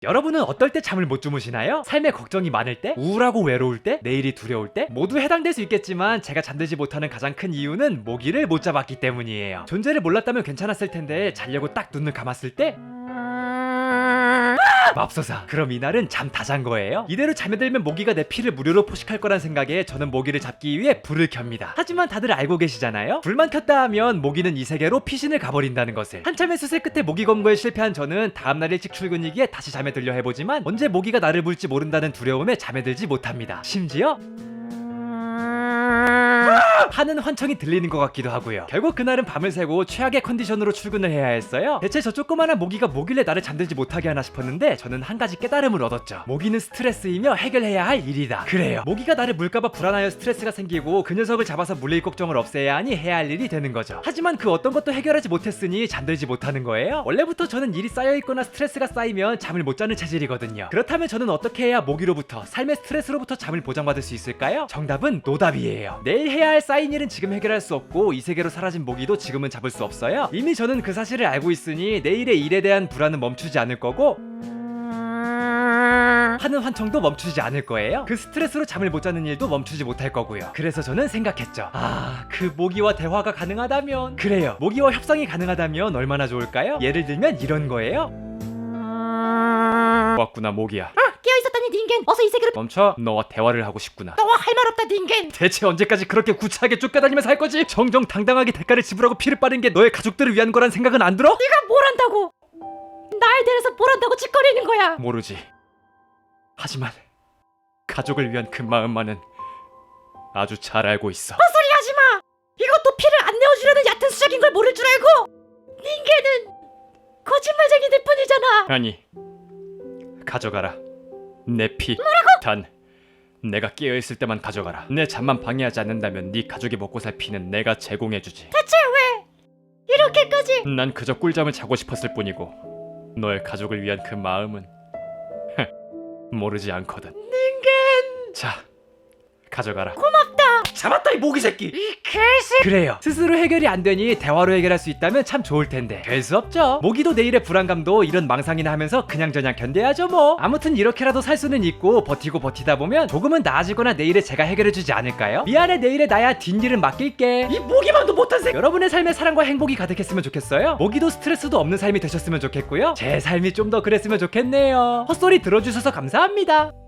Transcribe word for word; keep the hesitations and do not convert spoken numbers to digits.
여러분은 어떨 때 잠을 못 주무시나요? 삶에 걱정이 많을 때? 우울하고 외로울 때? 내일이 두려울 때? 모두 해당될 수 있겠지만 제가 잠들지 못하는 가장 큰 이유는 모기를 못 잡았기 때문이에요. 존재를 몰랐다면 괜찮았을 텐데 자려고 딱 눈을 감았을 때 맙소사. 그럼 이날은 잠 다 잔 거예요? 이대로 잠에 들면 모기가 내 피를 무료로 포식할 거란 생각에 저는 모기를 잡기 위해 불을 켭니다. 하지만 다들 알고 계시잖아요? 불만 켰다 하면 모기는 이 세계로 피신을 가버린다는 것을. 한참의 수세 끝에 모기 검거에 실패한 저는 다음날 일찍 출근이기에 다시 잠에 들려 해보지만 언제 모기가 나를 물지 모른다는 두려움에 잠에 들지 못합니다. 심지어 하는 환청이 들리는 것 같기도 하고요. 결국 그날은 밤을 새고 최악의 컨디션으로 출근을 해야 했어요. 대체 저 조그만한 모기가 뭐길래 나를 잠들지 못하게 하나 싶었는데 저는 한 가지 깨달음을 얻었죠. 모기는 스트레스이며 해결해야 할 일이다. 그래요. 모기가 나를 물까봐 불안하여 스트레스가 생기고 그 녀석을 잡아서 물릴 걱정을 없애야 하니 해야 할 일이 되는 거죠. 하지만 그 어떤 것도 해결하지 못했으니 잠들지 못하는 거예요. 원래부터 저는 일이 쌓여있거나 스트레스가 쌓이면 잠을 못 자는 체질이거든요. 그렇다면 저는 어떻게 해야 모기로부터, 삶의 스트레스로부터 잠을 보장받을 수 있을까요? 정답은 노답이에요. 내일 해야 할 쌓인 일은 지금 해결할 수 없고 이 세계로 사라진 모기도 지금은 잡을 수 없어요. 이미 저는 그 사실을 알고 있으니 내일의 일에 대한 불안은 멈추지 않을 거고 하는 환청도 멈추지 않을 거예요. 그 스트레스로 잠을 못 자는 일도 멈추지 못할 거고요. 그래서 저는 생각했죠. 아, 그 모기와 대화가 가능하다면, 그래요, 모기와 협상이 가능하다면 얼마나 좋을까요? 예를 들면 이런 거예요. 왔구나 모기야. 아, 깨어있었다니 닌겐, 어서 이 세계로. 멈춰. 너와 대화를 하고 싶구나. 너와 할 말 없다 닌겐. 대체 언제까지 그렇게 구차하게 쫓겨다니면서 할 거지? 정정당당하게 대가를 지불하고 피를 빠른 게 너의 가족들을 위한 거란 생각은 안 들어? 네가 뭘 한다고? 날 대해서 뭘 한다고 짓거리는 거야? 모르지. 하지만 가족을 위한 그 마음만은 아주 잘 알고 있어. 헛소리 하지마. 이것도 피를 안 내어주려는 얕은 수작인 걸 모를 줄 알고. 닌겐은 거짓말쟁이들 뿐이잖아. 아니, 가져가라 내 피. 뭐라고? 단 내가 깨어있을 때만 가져가라. 내 잠만 방해하지 않는다면 네 가족이 먹고 살 피는 내가 제공해주지. 대체 왜 이렇게까지? 난 그저 꿀잠을 자고 싶었을 뿐이고 너의 가족을 위한 그 마음은 모르지 않거든. 닌겐. 자, 가져가라. 고맙다. 잡았다 이 모기 새끼. 이 개새. 그래요. 스스로 해결이 안 되니 대화로 해결할 수 있다면 참 좋을 텐데 될 수 없죠. 모기도 내일의 불안감도 이런 망상이나 하면서 그냥저냥 견뎌야죠 뭐. 아무튼 이렇게라도 살 수는 있고 버티고 버티다 보면 조금은 나아지거나 내일에 제가 해결해주지 않을까요? 미안해, 내일에 나야 뒷일은 맡길게. 이 모기만도 못한 새. 여러분의 삶에 사랑과 행복이 가득했으면 좋겠어요. 모기도 스트레스도 없는 삶이 되셨으면 좋겠고요. 제 삶이 좀 더 그랬으면 좋겠네요. 헛소리 들어주셔서 감사합니다.